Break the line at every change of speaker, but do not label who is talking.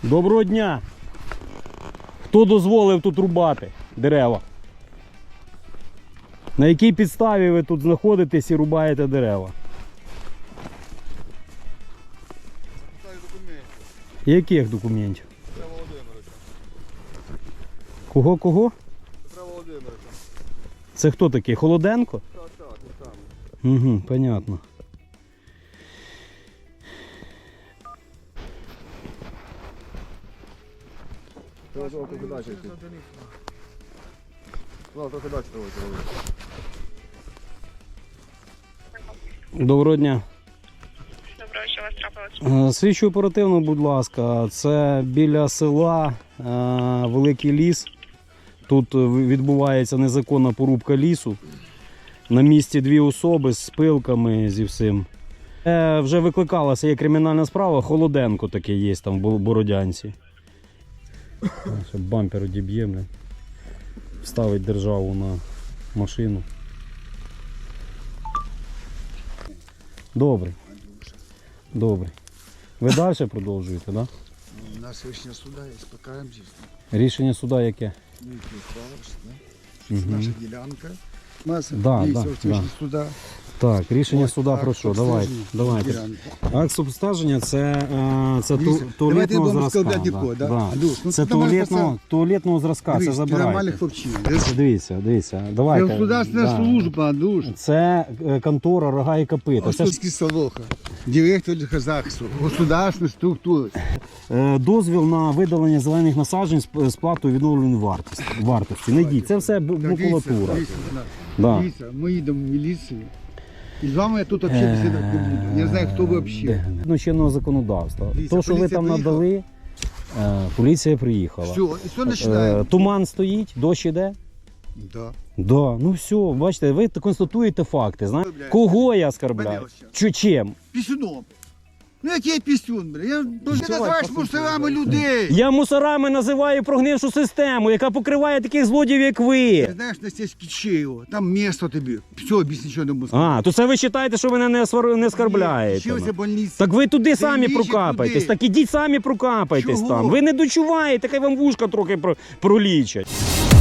Доброго дня! Хто дозволив тут рубати дерева? На якій підставі ви тут знаходитесь і рубаєте дерева? Яких документів?
Петра Володимировича.
Кого?
Петра Володимировича.
Це хто такий? Холоденко?
Так, він самий.
Угу, понятно.
Треба трохи далі йти. Ну, трохи далі треба йти.
Доброго дня.
Доброго, що у вас трапилось?
Слідчу оперативно, будь ласка, це біля села Великий Ліс. Тут відбувається незаконна порубка лісу. На місці дві особи з пилками, зі всім. Вже викликалася, є кримінальна справа, Холоденко такий є там в Бородянці. Ще бампер одіб'є, вставить державу на машину. Добре. Добре. Ви далі продовжуєте, так? Да?
У нас рішення суда є, покараємося.
Рішення суда яке?
Це наша ділянка. Маса
Да,
дійсно
да,
рішення суда.
Так, рішення
Ось,
суда
акт
про що?
обстеження
Давайте.
ділянки.
Акт обстеження це
Дивіться, давайте не
туалетного
будемо
зразка.
складати нікого, да? Андрюш, ну,
Це
ти нормальний
туалетного зразка, це
Дивись, ти нормальний
забирайте.
хлопчина.
Дивіться, давайте.
Це государственна служба, Андрюш.
Це контора Рога і Копита. Це ж
Осудський Солоха. Директор захисту. Государственної структури.
дозвіл на видалення зелених насаджень з платою відновленої вартості. Не дій, це все макулатура. Да.
Дивіться, ми їдемо в міліцію. І з вами я тут взагалі бесідати не буду. Я знаю, хто ви взагалі.
Ну, чинного законодавства.
Дивіться,
То, що ви
поліція
там
приїхала.
надали, поліція приїхала.
Все, і все починаємо.
Туман стоїть, дощ іде.
Да.
Да, ну все, бачите, ви констатуєте факти. Знаєте?
Блядь.
Кого я оскорбляю?
Понятно.
Чим?
Пісюном. Ну який пісюн, бля? Я ти називаєш мусорами людей.
Я мусорами називаю прогнившу систему, яка покриває таких злодіїв, як ви.
Ти знаєш, на стежці Чеєва, там місто тобі. Все, більше нічого не можу.
А, то це ви вважаєте, що мене не оскорбляєте?
Чилася больниця.
Так ви туди самі
лічить
прокапайтесь,
людей.
так ідіть самі прокапайтесь
Чого?
там. Ви не дочуваєте, хай вам вушка трохи пролічать.